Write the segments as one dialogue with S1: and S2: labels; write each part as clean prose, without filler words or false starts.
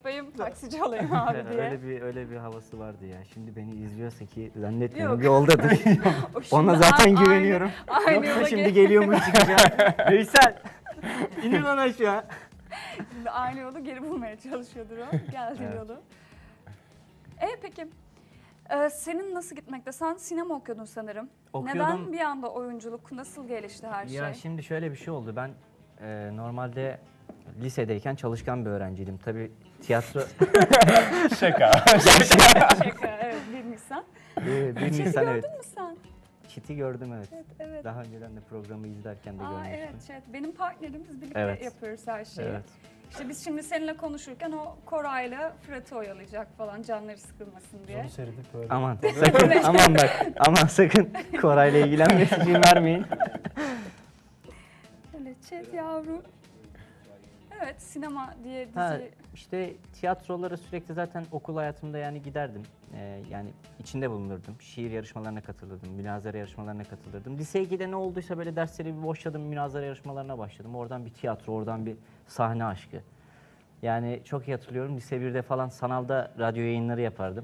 S1: tutayım, taksici olayım abi diye.
S2: öyle bir havası vardı ya. Şimdi beni izliyorsa ki zannetmiyorum yoldadır.
S1: O
S2: Ona
S1: şimdi
S2: zaten güveniyorum.
S1: aynı
S2: Yoksa
S1: yola
S2: şimdi geliyormuş çıkacağım. Veysel, inin lan aşağı.
S1: Şimdi aynı yolu geri bulmaya çalışıyordur o. Geldiği
S2: Evet.
S1: yolu. Peki. Senin nasıl gitmekte? Sen sinema okuyordun sanırım.
S2: Okuyordum.
S1: Neden bir anda oyunculuk? Nasıl gelişti her şey?
S2: Ya şimdi şöyle bir şey oldu. Ben normalde lisedeyken çalışkan bir öğrenciydim. Tabii tiyatro...
S3: Şaka.
S1: Şaka, evet, bir Nisan.
S2: bir
S1: Çiti
S2: Nisan,
S1: gördün
S2: evet.
S1: mü sen?
S2: Çiti gördüm, evet.
S1: Evet.
S2: Daha önceden de programı izlerken de görmüştüm.
S1: Evet. Benim partnerimiz birlikte
S2: Evet.
S1: yapıyoruz her şeyi.
S2: Evet.
S1: İşte biz şimdi seninle konuşurken o Koray'la Fırat'ı oyalayacak falan, canları sıkılmasın diye.
S3: Onu seyredip böyle.
S2: Aman sakın, aman bak, aman sakın Koray'la ilgilenmesi için vermeyin.
S1: Öyle chat yavrum. Evet, sinema diye dizi.
S2: Ha, işte tiyatrolara sürekli zaten okul hayatımda yani giderdim. Yani içinde bulunurdum. Şiir yarışmalarına katılırdım, münazara yarışmalarına katılırdım. Lise 2'de ne olduysa böyle dersleri bir boşladım, münazara yarışmalarına başladım. Oradan bir tiyatro, oradan bir sahne aşkı. Yani çok iyi hatırlıyorum. Lise 1'de falan sanalda radyo yayınları yapardım.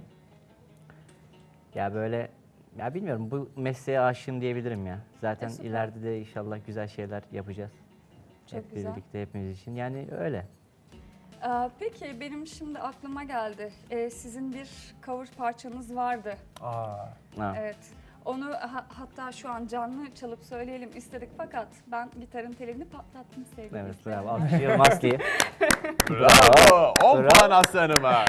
S2: Ya böyle, ya bilmiyorum, bu mesleğe aşığım diyebilirim ya. Zaten
S1: Süper.
S2: ileride de inşallah güzel şeyler yapacağız.
S1: Çok
S2: Hep
S1: güzel.
S2: birlikte, hepimiz için. Yani öyle.
S1: Peki benim şimdi aklıma geldi. Sizin bir cover parçanız vardı.
S2: Ha.
S1: Evet. Onu hatta şu an canlı çalıp söyleyelim istedik fakat ben gitarın telini patlattım sevgili
S2: Evet,
S1: izleyenler.
S2: bravo. Alkışlıyorum Aslı'yı.
S3: Bravo. 10
S2: Bravo.
S3: puan aslanıma.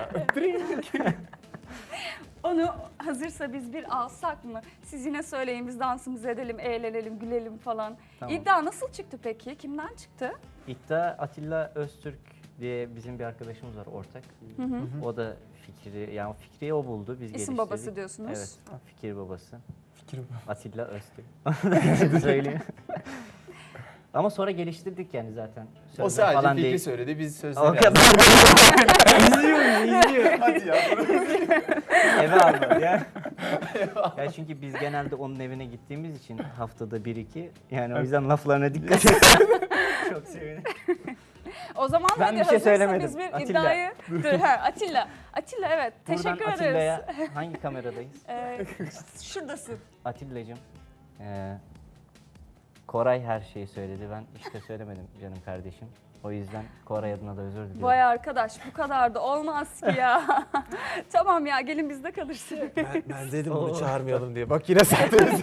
S1: Onu hazırsa biz bir alsak mı? Siz yine söyleyin, biz dansımızı edelim, eğlenelim, gülelim falan.
S2: Tamam.
S1: İddia nasıl çıktı peki? Kimden çıktı?
S2: İddia Atilla Öztürk diye bizim bir arkadaşımız var ortak. O da fikri o buldu. Biz
S1: İsim
S2: geliştirdik.
S1: babası diyorsunuz.
S2: Evet, fikir babası.
S3: Fikir bu.
S2: Atilla Öztürk. Söyleyeyim. Ama sonra geliştirdik yani zaten.
S3: O
S2: Sözler
S3: sadece
S2: falan
S3: fikri
S2: değil.
S3: söyledi, biz
S2: O
S3: sözleri
S2: kadar.
S3: yazdık.
S2: izliyor.
S3: Hadi ya.
S2: Eve almadı ya. Ya çünkü biz genelde onun evine gittiğimiz için haftada 1-2, yani o yüzden laflarına dikkat et. Çok sevinirim.
S1: O zaman
S2: Ben
S1: hadi
S2: bir şey
S1: hazırsa
S2: söylemedim.
S1: biz bir
S2: Atilla.
S1: iddiayı... Dur, Atilla. Atilla, evet.
S2: Buradan
S1: Teşekkür ederiz.
S2: Atilla'ya hangi kameradayız?
S1: Şuradasın.
S2: Atilla'cığım, Koray her şeyi söyledi. Ben işte söylemedim canım kardeşim. O yüzden Koray adına da özür diliyorum.
S1: Vay arkadaş, bu kadar da olmaz ki ya. Tamam ya, gelin bizde kalırsın.
S3: Ben dedim bunu çağırmayalım diye. Bak yine sattınız.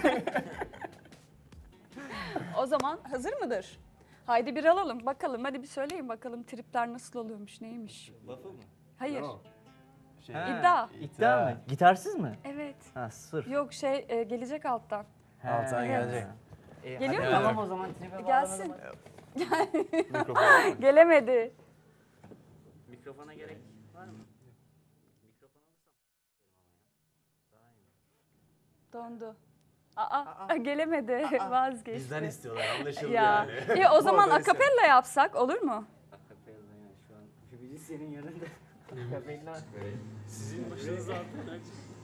S1: O zaman hazır mıdır? Haydi bir alalım bakalım. Hadi bir söyleyin bakalım tripler nasıl oluyormuş, neymiş?
S2: Lafı mı?
S1: Hayır.
S2: Ha,
S1: İddia.
S2: İddia mı? Gitarsız mı?
S1: Evet.
S2: Ha, sırf.
S1: Yok gelecek alttan.
S3: Alttan gelecek.
S1: Geliyor
S2: hadi
S1: mu?
S2: Tamam o zaman tribe
S1: Gelsin.
S3: Mikrofon.
S1: Gelemedi.
S2: Mikrofona gerek var mı? Mikrofon
S1: Dondu. Gelemedi. Vazgeçti.
S3: Bizden istiyorlar, anlaşıldı
S1: Ya.
S3: yani.
S1: İyi, o zaman
S3: Oradan
S1: akapella yapsak olur mu?
S2: Akapella yani şu an müzisyenin yanında. Akapella.
S3: Sizin başınıza atın.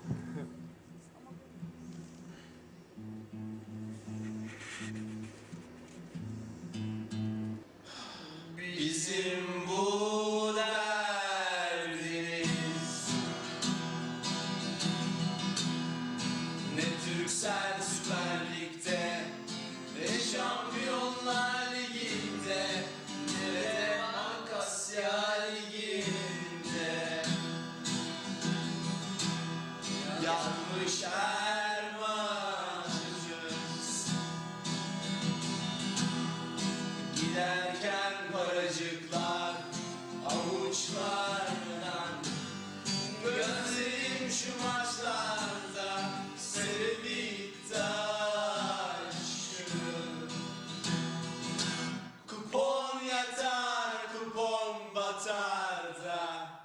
S4: Bizim bu derdimiz ne Türksel Süper Lig'de, ne Şampiyonlar Ligi'nde, ne de Ankasya Ligi'nde. Yanmış ermanımız, giderken paracıklar avuçlardan, gözlerim şu maçlarda sevip taşır. Kupon yatar, kupon batar da.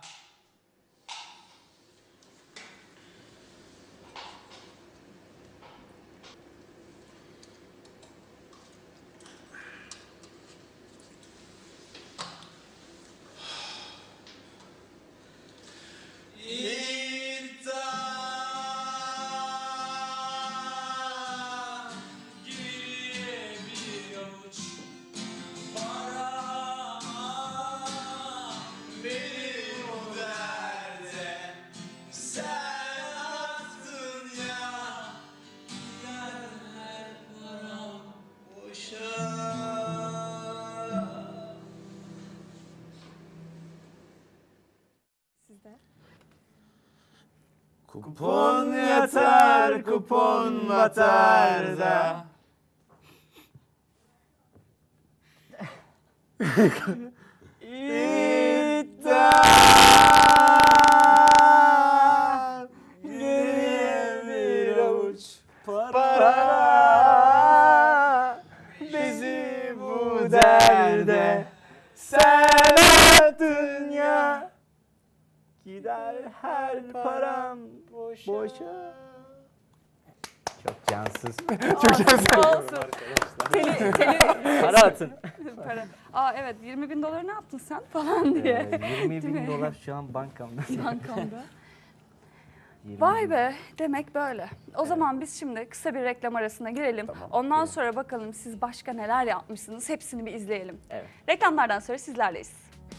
S4: İddia gibi bir avuç para benim o
S1: de.
S3: Kupon yatar, kupon batar da. İddia geriye bir avuç para bizi bu derde sen attın ya gider her param boşa.
S2: Çok cansız.
S1: Olsun.
S2: Para atın.
S1: Para. Aa evet 20.000 doları ne yaptın sen falan diye.
S2: 20
S1: Değil
S2: bin
S1: mi?
S2: dolar şu an bankamda.
S1: Bankamda.
S2: 20
S1: Vay
S2: bin.
S1: be demek böyle. O zaman biz şimdi kısa bir reklam arasına girelim. Ondan sonra bakalım siz başka neler yapmışsınız hepsini bir izleyelim.
S2: Evet.
S1: Reklamlardan sonra sizlerleyiz.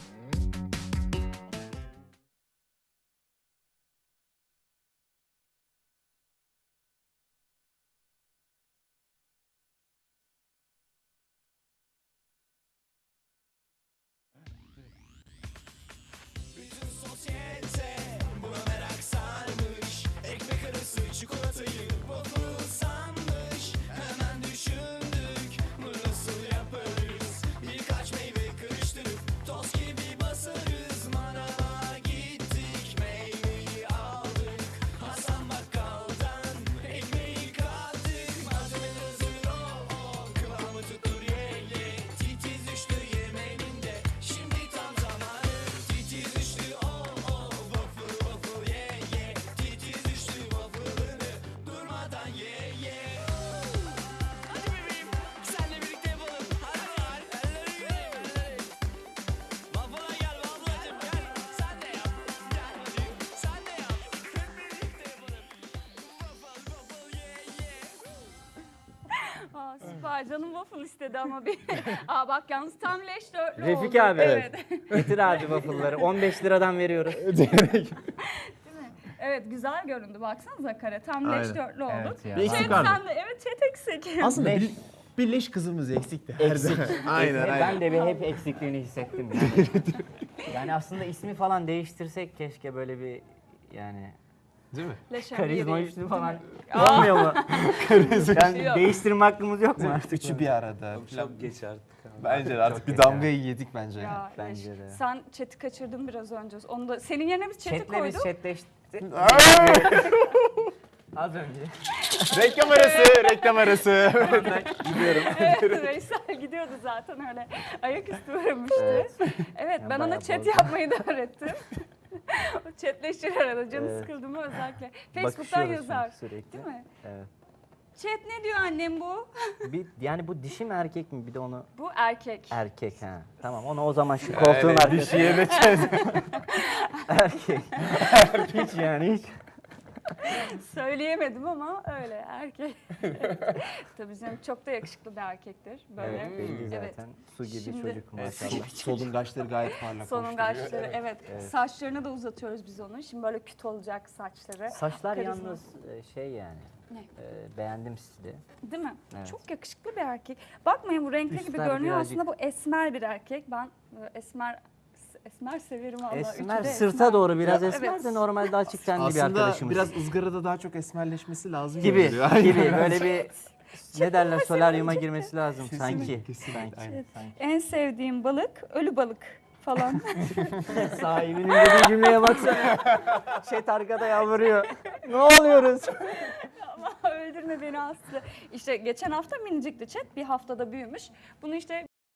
S1: Aa, süper canım waffle istedi ama bir. Aa bak yalnız tam leş dörtlü oldu.
S2: Refik abi.
S1: Evet.
S2: Getir abi waffle'ları. 15 liradan veriyoruz.
S1: Evet güzel göründü baksanıza kare tam leş
S3: Aynen.
S1: dörtlü oldu.
S2: Evet ya.
S3: Bir eksik
S1: Chat
S3: vardı.
S1: sen de evet chat eksik.
S3: Aslında
S2: Leş.
S3: bir leş kızımız eksikti. her
S2: Eksik.
S3: zaman. Aynen
S2: Ben
S3: aynen.
S2: de bir hep eksikliğini hissettim. Yani. Yani aslında ismi falan değiştirsek keşke böyle bir yani
S3: Değil mi?
S1: Leş
S2: karizma
S1: değil.
S2: üstü falan
S1: Aa.
S2: olmuyor mu? Yani
S1: Yok.
S2: değiştirme hakkımız yok mu artık?
S3: Üçü bir arada.
S5: Çok geç artık.
S3: Bence de artık
S2: Çok
S3: bir
S2: geç
S3: damgayı yedik bence.
S1: Ya,
S2: Bence
S1: leş.
S2: de.
S1: Sen chat'i kaçırdın biraz önce. Onu da senin yerine biz chat'i
S2: Chatle biz
S1: koyduk.
S2: chatleştik. Az önce.
S3: Reklam arası, reklam arası.
S2: Gidiyorum.
S1: Evet, Veysel gidiyordu zaten öyle. Ayaküstü vurmuştu. Evet,
S2: Yani
S1: ben ona
S2: bayağı
S1: chat
S2: bozdu.
S1: yapmayı da öğrettim. O chatleşir arada. Canı
S2: Evet.
S1: sıkıldı mı özellikle. Facebook'tan
S2: Bakışıyoruz
S1: yazar.
S2: çünkü sürekli.
S1: Değil mi?
S2: Evet.
S1: Chat ne diyor annem bu?
S2: Yani bu dişi mi erkek mi? Bir de onu
S1: Bu erkek.
S2: erkek ha. Tamam onu o zaman şu koltuğun arkasına.
S3: Dişiye de çöz.
S2: Erkek. Hiç yani hiç.
S1: Söyleyemedim ama öyle erkek. Tabii canım çok da yakışıklı bir erkektir. Böyle.
S2: Evet belli
S1: Evet.
S2: zaten. Su gibi
S1: Şimdi-
S2: çocuk maşallah.
S3: Solungaçları gayet parlak.
S1: Sonun kaşları evet.
S2: Evet.
S1: Saçlarını da uzatıyoruz biz onun. Şimdi böyle küt olacak saçları.
S2: Saçlar
S1: Karizma.
S2: yalnız şey yani.
S1: Ne?
S2: Beğendim stili.
S1: Değil mi?
S2: Evet.
S1: Çok yakışıklı bir erkek. Bakmayın bu renkli gibi
S2: Üstler
S1: görünüyor
S2: birazcık-
S1: aslında bu esmer bir erkek. Ben esmer severim valla.
S2: Esmer
S1: Üçü de
S2: sırta
S1: esmer.
S2: doğru biraz
S1: Ya,
S2: esmer
S1: evet.
S2: de normalde açık tenli bir
S3: Aslında
S2: arkadaşımız.
S3: biraz ızgarada daha çok esmerleşmesi lazım.
S2: gibi
S3: görünüyor. Aynen.
S2: gibi böyle bir ne derler
S1: Çok
S2: solaryuma
S1: sevinecekti.
S2: girmesi lazım sanki.
S3: kesinlikle,
S2: Sanki.
S3: aynen.
S2: sanki.
S1: En sevdiğim balık ölü balık falan.
S2: Sahibinin dediği cümleye baksana. Chat arkada yalvarıyor. Ne oluyoruz?
S1: Ama öldürme beni Aslı. İşte geçen hafta minicikti chat. Bir haftada büyümüş. Bunu işte